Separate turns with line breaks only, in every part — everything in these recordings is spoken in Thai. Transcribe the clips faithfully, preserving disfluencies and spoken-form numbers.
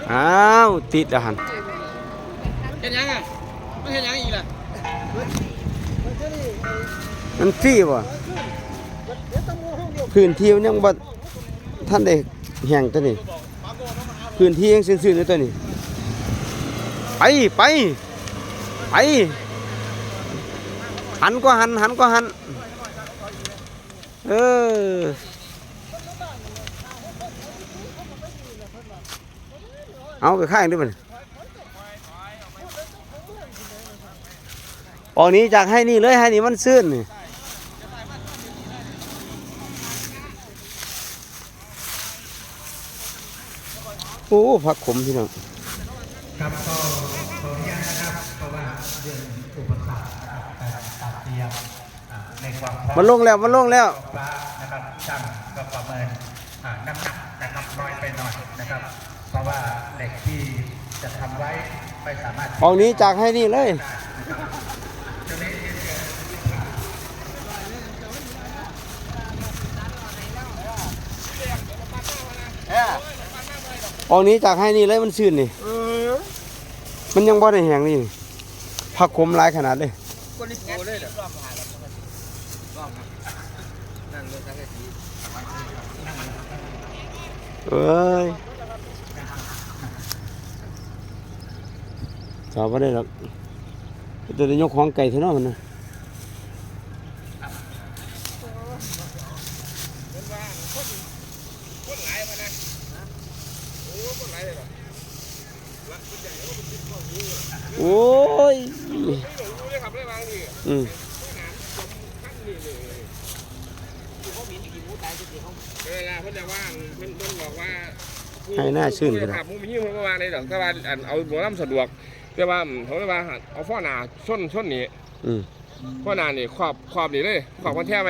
อ้าวติดแล้วหัน
เห็นยังอ่ะไม่เห็นยังอีกล่ะ
มันฟรีบ่พื้นที่มันยังบ่ท่านได้แห้งตัวนี้พื้นที่ยังซื่อๆอยู่ตัวนี้ไปไปไปหันก็หันหันก็หันเออเอาไปข้างด้วยมันออกนี้จากให้นี่เลยให้นี่มันซื่นนี่โอ้ผักขมพี่น้อง
ครับก็ขออนุญาตนะครับเพราะว่าเรื่องอุปสรรคนะครับการตัดเตรียมในความพร้อม
มันลงแล้วมันลงแล้ว
นะครับช่างก็ประเมินน้ำหนักนะครับน้อยไปหน่อยนะครับเพราะว่าเหล็กที่จะทำไว้ไม่สามารถ
ออกนี้จากให้นี่เลยออกนี้จากให้นี่เลยมันซื่นนี่มันยังบ่ได้แห้งนี่ผักขมหลายขนาดเลยเอ้ยสอบไม่ได้หรอกจะได้ยกของไก่เท่านั้นมันนะโอ้ยอืม
เวลาเพิ่นจะว่างเพิ่นเพิ่นบอกว่า
ให้หน้าชื่นกัน
ครับมุ้งยิ่งเพิ่นก็ว่าในดอกแต่ว่าเอาหมอลำสะดวกแต่ว่าเขาเรียกว่าเอาฟ้อหนาส้นส้นนี้ฟ้อหนานี่ครอบครอบนี่เลยครอบมันแท้ไว้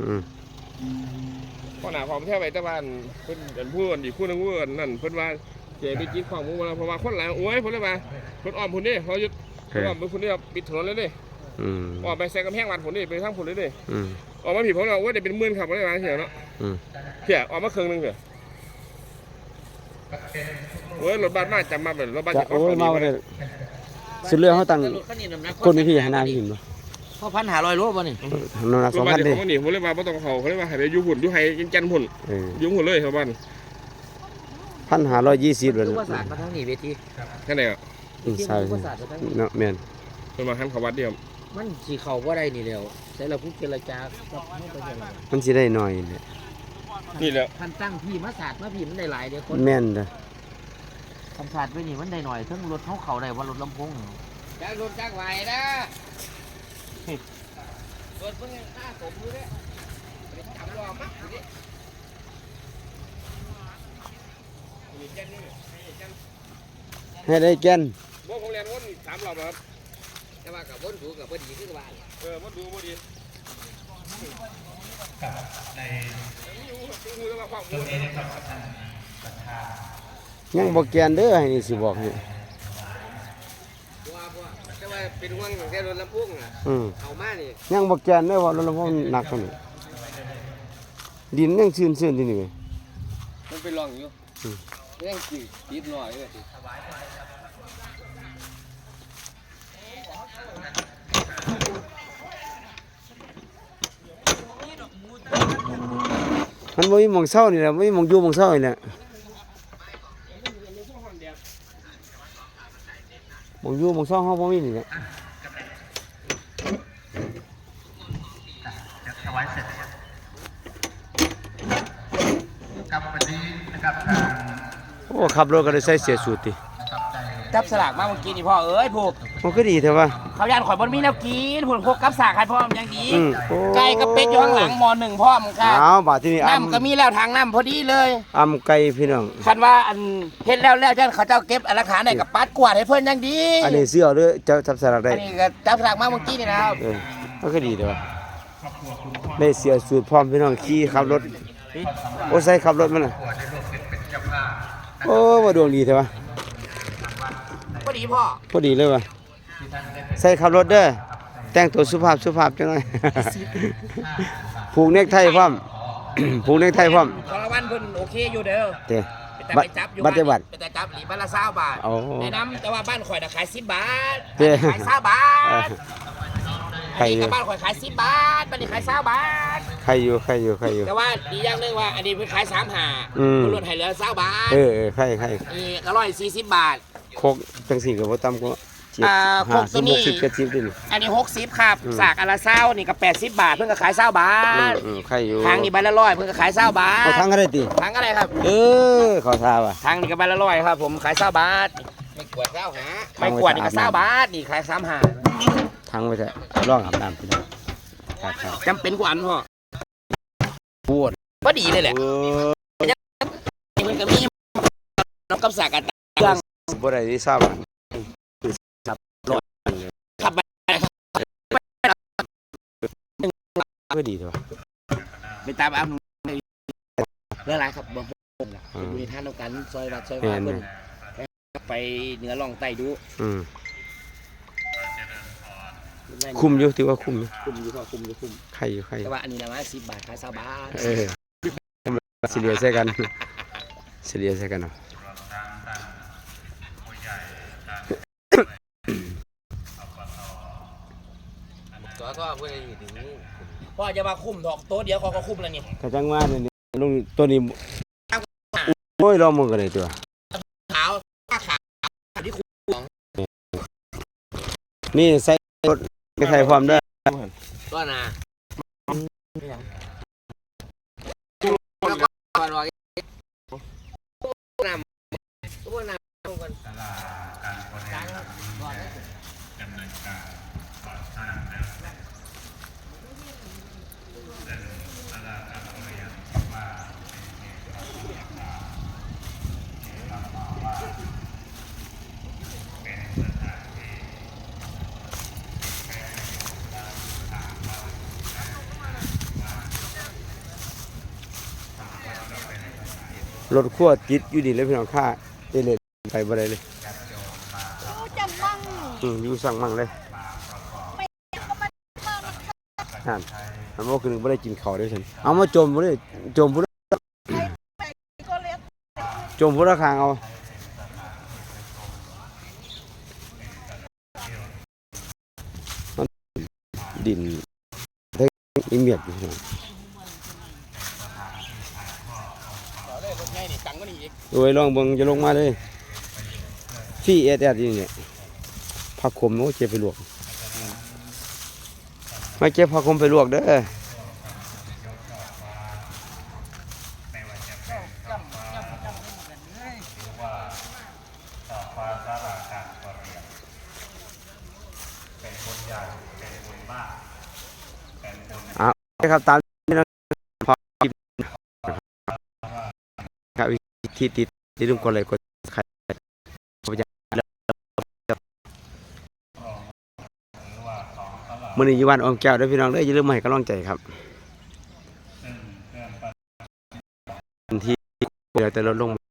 ฟ้อหนาครอบมันแท้ไว้แต่ว่าเพิ่นอันพูดอีกพูดนึงว่านั่นเพิ่นว่าเจ๊ไปกินของมุ้งมาเพราะว่าคนหลายโอ้ยเพิ่นเลยว่าเพิ่นอ้อมพุ่นนี่เขายึดเพิ่นอ้อมพุ่นนี่ปิดถนนเลยดิออกไปแซงกำแพงวัดพุ่นนี่ไปทางพุ่นเลยดิออกมาผิดเพราะเราว่าเดี๋ยวเป็นหมื่นครับไม่ได้มาเสียเนาะเสียออกมาครึ่งนึงเสียโอ้ยรถบัสมาจำมาแบบรถบัสจะ
โอ้ยมาเลยสุดเรื่องเขาตั้งคนไม่พี่หาหน้าพี่หินบ่
เขาพันหาลอยโลป่ะนี่
นอนสองพันดิ
เขาหนีเขาเรียกว่าต้องเขาเขาเรียกว่าหายไปยุ่หุ่นยุ่ไฮกินจันหุ่นยุ่หุ่นเลยชาวบ้าน
พันหาร้อยยี่สิบเลย
นะภาษามาทั้งนี้เวที
แค่ไหนอ่ะ
ใช่เนาะแมน
เป็นมาขั้นเขาวัดเดียว
มันสีเขาว่าได้นี่แล้วแต่เราพูดเจรจา
มันสิได้หน่อยเนี่ย
นี่แหละ
พันตั้งพี่มาศาสตร์มาพี่มันได้หลายเดียวคน
แม่นเด้อ
คำศาสตร์ไปนี่มันได้หน่อยทั้งรถเขาเขาได้ว่ารถลำโพง
จ้างรถจ้างไหวนะรถเพิ่งห้าสมมือเนี่ยจำรอมั้ง
ให้ได้แก่น
บ่ผมเรียนวนสามรอบครับ
แต่ว่ากับวนดูกับวนดีขึ้นกับบ้าน
เออวนดูวนดี
ใน
ตัวนี้นะครับ
ยังบ่แก่นเด้อให้นี่สิบอกให้
แต่ว่าเป็นห่วงแต่รถลำโพงอ่ะเอามานี่
ยังบ่แก่นเด้อว่ารถลำโพงหนักกว่านี้ดินยังชื้นๆที่นี่
มันเป็นร่องอยู่ยังติดติดหน่อยเลย
มันบ่มีหม่องเศร้านี่แหละบ่มีหม่องอยู่หม่องเศร้านี่แหละหม่องอยู่หม่องเศร้าเฮาบ่มีนี่แหละ
ถวายเสร็จครับวันนี้นะครับ
โอ้ขับรถก็ได้ใส่เสื้อสูทติ
จับสลากมาเมื่อกี้นี่พ่อเอ้ยผูก
มันก็ดีเถอะวะ
เขาย่านข่อยบนมีแนวกินผลพกกับสากให้พ่อมยังดีไก่กับเป็ดอยู่ข้างหลังมอหนึ่งพ่อมค่ะ
อ้าวบาดที่นี่
น้ำก็มีแล้วทางน้ำพอดีเลย
อำไก่พี่น้อง
คันว่าอันเฮ็ดแล้วแล้วเจ้าเขาเจ้าเก็บหลักฐานได้กับปัดกวาดให้เพิ่นยังดี
อันนี้เสื้อหรือเจ้าจับสลากได้
อันนี้ก็จับสลากมาเมื่อกี้นี่นะครับ
เออมันก็ดีเถอะวะได้เสื้อสูทพร้อมพี่น้องขี่ขับรถโอ้ใส่ขับรถมันน่ะโอ้ว่าดวงดีเถอะวะ
พอดีพ่อ
พอดีเลยวะใส่ขับรถเด้อแต่งตัวสุภาพสุภาพจังหน่อยผูกเนคไทพร้อมผูกเนคไทพร้อม
สารวัตรเพิ่นโอเคอยู่เด้อ
เด้
ไปแต่
บัต
ไปจับอยู่
บัตรบัตร
แต่จับหลีบ้านละเศร้าบาท
โอ้
ในน้ำแต่ว่าบ้านข่อยน่ะขายสิบบาท
เจ้
ขายเศร้าบาท
ใคร
อัน
อ
นี้
ยู่
กับบ้านข่อยขายสิบบาทบ้านนี้ขายเศร้าบาท
ใครอยู่ใครอยู่ใครอยู่
แต่ว่าดีอย่างหนึงว่าอันนี้เพิ่นขายสามหา
อืม
คุณลดให้เหลือเศร้าบาท
เออเออใครใคร
นี่ก็ร้อยสี่สิบบาท
โคกจังสี่ก็บ่ต่ำกว่าเจ็ด
อ่า
ห้า
โคกตั
สิ
ว
บ
นี้
หกสิบเจ็ดสิบดิ
อันนี้หกสิบครับ
อืม
สากอันละเศร้านี่ก็แปดสิบบาทเพิ่นก็ขายเศร้าบา
อื
ท
มอืมใครอยู่
ทางนี้ใบละร้อยเพิ่นก็ขายเศร้าบาท
เอาทั้งก็ได้ติ
ทางอะไรครับ
เออขอทราบอ่ะ
ทางนี้ก็ใบละร้อยครับผมขายเศร้าบาทไม่กวดเศร้าหาไม่กวดนี่ก็เศร้าบาทนี่ขายสามหา
ทั้งไว้เถอะร้องอาบน้ำพี่น้องครับครับ
จำเป็นกว่าอันพ่อ
ปวด
ก็ดีเลยแหละ
เออ
มันก็มีน้องกับสากกันเครื่อง
บ่ได้ที่ทราบอ่ะ
ขับไป
ไม่ดีเถอะ
ไปตามอ้ำเรื่องอะไรครับบ่ผมล่ะไปดูในท่านต้องการซอยวัดซอยว่าเพิ่นไปเหนือล่องใต้ดู
อืมคุ้มอยู่ถือว่าคุ้มอยู่
คุมอยู่พ่อคุมอยู่คุม
ใครอยู่ใครอยู่
แต่ว่าอันนี้นะว่าสิบบาทขายสามบาท
เออสิเลียใส่กันสิเลียใส่กันเนาะ
ตัวก็เพื่ออยู่ถึงพ่อจะมาคุมดอกโต๊ะเดียวเขาก็คุมแล้วนี่
กระจังว่าเนี่ยลงตัวนี้โอ้ยลองมึงกันเลยตัว
ขาวผ้าขาวที่คุม
นี่ใส่รถไปใส่ความได้
ก็นะแล้วก็ก่อนว่าน้ำตัวน้ำก่อน
รถขั้วติดอยู่ดีเลยพี่น้องค่าเอเลนไปบ่ได้เลย
จะมั่ง
อืมอยู่สั่งมั่งเลยนั่นมันบ่คือบ่ได้กินข้าวด้วยฉันเอามาจมบ่ได้จมบ่ได้
ก็เล็ก
จมบ่ได้ข้างเอาดินได้อีเมียดอยู่พี่น้อง
เลยรถใหญ่นี่ตังก็นี่อีก
โอ้ยลองเบิ่งจะลงมาเลยฟี่เอสเอสนี่เนี่ยผักขมโอ้เจ็บไปลวกไม่เจ็บผักขมไปลวกเด้อเอาครับตามนี้นะครับครับที่ติดที่ลุงกดเลยกดใครมื้อนี้อยู่บ้านออมแก้วเด้อพี่น้องเด้ออย่าลืมมาให้กำลังใจครับที่เดี๋ยวแต่ลดลง